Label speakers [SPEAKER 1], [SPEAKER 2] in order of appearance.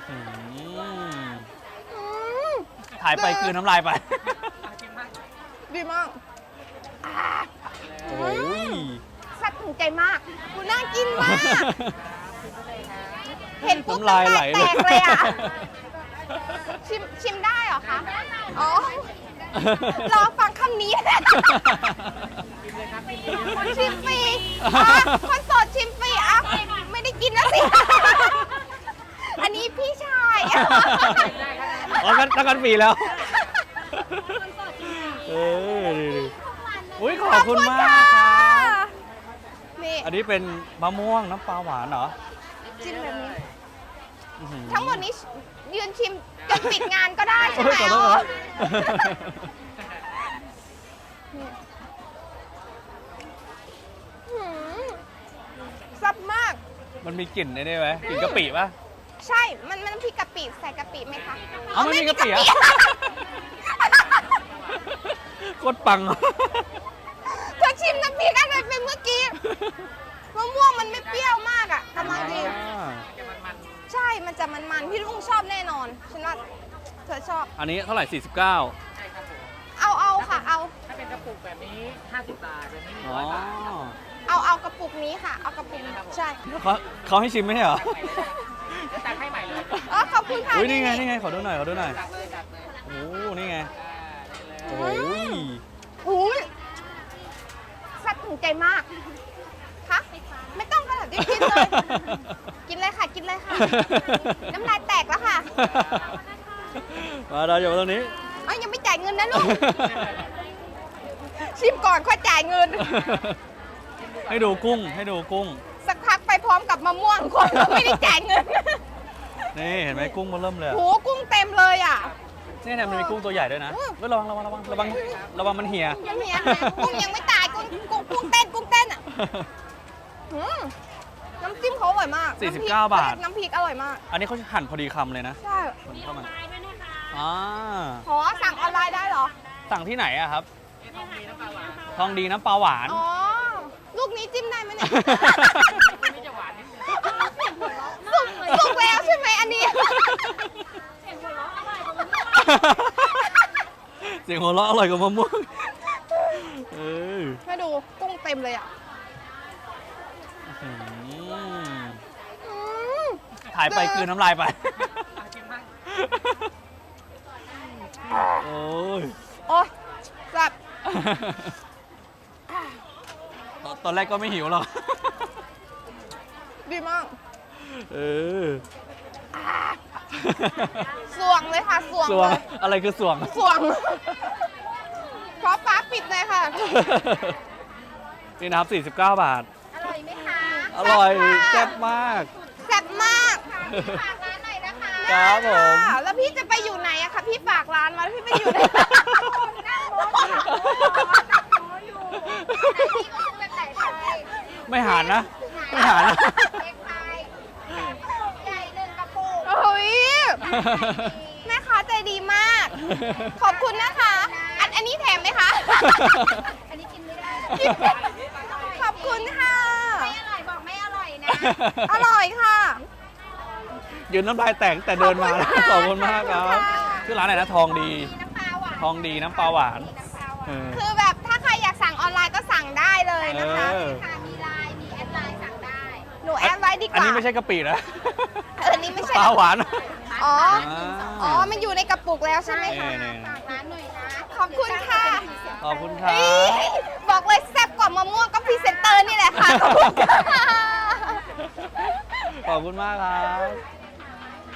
[SPEAKER 1] อืมถ่ายไปกลืนน้ำลายไป
[SPEAKER 2] ดีมาก
[SPEAKER 1] โอ้ย
[SPEAKER 2] แซ่บถึงใจมากดูน่ากินมาก เห็นปุ๊บ
[SPEAKER 1] น้ำลายไหล
[SPEAKER 2] แตกเลยอ่ะ ชิมได้เหรอคะ อ๋อ รอฟังคำนี้ ชิมฟรีคนโสดชิมฟรีอ่ะไม่ได้กินนะสิ อันนี้พี่ชาย
[SPEAKER 1] อ๋อตั้งกันปีแล้วอุ้ยขอบคุณมากครับ
[SPEAKER 2] นี่
[SPEAKER 1] อันนี้เป็นมะม่วงน้ำปลาหวานเหรอ
[SPEAKER 2] จิ้มแบบนี้
[SPEAKER 1] อื้อหือ
[SPEAKER 2] ทั้งหมดนี้ยืนชิมจนปิดงานก็ได้ใช่ไหม
[SPEAKER 1] โอ้ยขอโทษครับ
[SPEAKER 2] หืมแซ่บมาก
[SPEAKER 1] มันมีกลิ่นได้ไหมกลิ่นกะปิป่ะ
[SPEAKER 2] ใช่ มันพริกกะปิใส่กะปิไหมคะ
[SPEAKER 1] เอาไม่มีกะปิอะ โคตรปัง
[SPEAKER 2] เธอชิมน้ำพริกอะไรเป็นเมื่อกี้มะม่วงมันไม่เปรี้ยวมากอ่ะกำลังดี ใช่ มันจะมันๆพี่ลุงชอบแน่นอน ฉันว่าเธอชอบ
[SPEAKER 1] อันนี้เท่าไหร่ 49
[SPEAKER 2] เอาค่ะ เอา
[SPEAKER 3] ถ้าเป็นกระปุกแบบนี้ 50 บาท แบบนี้
[SPEAKER 1] อ๋อ
[SPEAKER 3] 100 บาท
[SPEAKER 2] เอากระปุกนี้ค่ะ เอากระปุกนี้ใช่
[SPEAKER 1] เขาให้ชิมไหมเหรอ
[SPEAKER 3] แล้วตักให้ใหม่เลย
[SPEAKER 2] อ๋อขอบคุณค่ะ
[SPEAKER 1] อุ้ยนี่ไง นี่ไง ขอดูหน่อย ขอดูหน่อย
[SPEAKER 3] ตักเลยตักเลย
[SPEAKER 1] โอ้นี่ไง
[SPEAKER 3] ได้เลย
[SPEAKER 1] โอ้ย
[SPEAKER 2] อุ้ยแซ่บถึงใจมากคะไม่ต้องค่ะเดี๋ยวกินเลย กินเลยค่ะ กินเลยค่ะ น้ำลายแตกแล้วค่ะ
[SPEAKER 1] มาเราอยู่ตรงนี้
[SPEAKER 2] เอ้ยยังไม่จ่ายเงินนะลูก ชิมก่อนค่อยจ่ายเงิน
[SPEAKER 1] ให้ดูกุ้ง ให้ดูกุ้ง
[SPEAKER 2] สักพักไปพร้อมกับมะม่วงคนก็ไม่ได้จ่ายเงิน
[SPEAKER 1] นี่เห็นไหมกุ้งมันเริ่มเลย
[SPEAKER 2] โหกุ้งเต็มเลยอ่ะ
[SPEAKER 1] นี่เนี่ยมันมีกุ้งตัวใหญ่ด้วยนะ
[SPEAKER 2] อืม
[SPEAKER 1] เฮ้ยระวังมันเหี่ย
[SPEAKER 2] ยังเมียกุ้งยังไม่ตายกุ้งเต้นอ่ะอืมน้ำจิ้มเขาอร่อยมาก
[SPEAKER 1] 49 บาท
[SPEAKER 2] น้ำพริกอร่อยมาก
[SPEAKER 1] อันนี้เขาหั่นพอดีคำเลยนะ
[SPEAKER 2] ใช่
[SPEAKER 1] คนเข้ามาอ่า
[SPEAKER 2] ขอสั่งออนไลน์ได้เหรอ
[SPEAKER 1] สั่งที่ไหนอะครับ
[SPEAKER 3] ทองดีน้ำปลาหวาน
[SPEAKER 1] ทองดีน้ำปลาหวาน
[SPEAKER 2] อ๋อ ลูกนี้จิ้มได้ไหมเนี่ย
[SPEAKER 3] อันนี้จะหวานนิดนึง
[SPEAKER 2] สุกแล้วใช่ไหมอันนี้
[SPEAKER 1] เสียงหัวเราะอร่อยกว่ามะม่วงเออ
[SPEAKER 2] มาดูกุ้งเต็มเลยอ่ะ
[SPEAKER 1] อืม
[SPEAKER 2] อืม
[SPEAKER 1] ถ่ายไปกลืนน้ำลายไป
[SPEAKER 3] ชิมมาก
[SPEAKER 1] โอ้ย
[SPEAKER 2] โอ้ยแซ่บ
[SPEAKER 1] ตอนแรกก็ไม่หิวหรอก
[SPEAKER 2] ดีมาก
[SPEAKER 1] เออ
[SPEAKER 2] สวงเลยค่ะ สวง
[SPEAKER 1] สว
[SPEAKER 2] เล
[SPEAKER 1] ง
[SPEAKER 2] ย
[SPEAKER 1] อะไรคือสวง
[SPEAKER 2] สวงเพราะฟ้าปิดเลยค่ะ
[SPEAKER 1] นี่นะครับ 49 บาท
[SPEAKER 2] อร่อยไหมคะ
[SPEAKER 1] อร่อย
[SPEAKER 2] แซ่
[SPEAKER 1] แซ่
[SPEAKER 2] บบ
[SPEAKER 1] มาก
[SPEAKER 2] แซ่บมากฝากร้านหน่อยนะคะ
[SPEAKER 1] ครับผม
[SPEAKER 2] ได้ะแล้วพี่จะไปอยู่ไหนอะคะพี่ฝากร้านมาแล้วพี่ไปอยู่ไหนนั่งรถอยู่พี่ก็ซื้อแบบไหนไป
[SPEAKER 1] ไม่หานนะ ไม่หานนะ
[SPEAKER 2] เล็กไปใหญ่หนึ่งกระปุกโอ้ยแม่ค้าใจดีมาก ขอบคุณนะคะ อันนี้แถมไหมคะ อันนี้กินไม่ได้ ขอบคุณค่ะ ไม่อร่อยบอกไม่อร่อยนะ อร่อยค่ะ
[SPEAKER 1] ยืนน้ำลายแตกแต่เดินมา
[SPEAKER 2] ขอบคุณค่ะ
[SPEAKER 1] ขอบคุณมากครับ
[SPEAKER 2] ขอบคุณค่ะ
[SPEAKER 1] ชื่อร้านอะไรนะ ทองดี
[SPEAKER 2] น้ำปลาหวาน
[SPEAKER 1] ทองดีน้ำปลาหวานเออ
[SPEAKER 2] คือแบบถ้าใครอยากสั่งออนไลน์ก็สั่งได้เลยนะคะ
[SPEAKER 1] เออ
[SPEAKER 2] ค่ะมีไลน์มีแอดไลน์สั่งได้ หนูแอดไว้ดีกว่า
[SPEAKER 1] อันนี้ไม่ใช่กะปินะ
[SPEAKER 2] อันนี้ไม่ใช่
[SPEAKER 1] ปลาหวาน
[SPEAKER 2] อ๋อ
[SPEAKER 1] อ่า
[SPEAKER 2] อ๋อ มันอยู่ในกระปุกแล้วใช่ไหมคะ
[SPEAKER 1] นี่
[SPEAKER 2] ฝากร้านหน่อยนะ ขอบคุณค่ะ
[SPEAKER 1] ขอบคุณครับ
[SPEAKER 2] เฮ้ยบอกเลยแซ่บกว่ามะม่วงก็พรีเซนเตอร์นี่แหละค่ะ ขอบคุณค่ะ
[SPEAKER 1] ขอบคุณมากครับ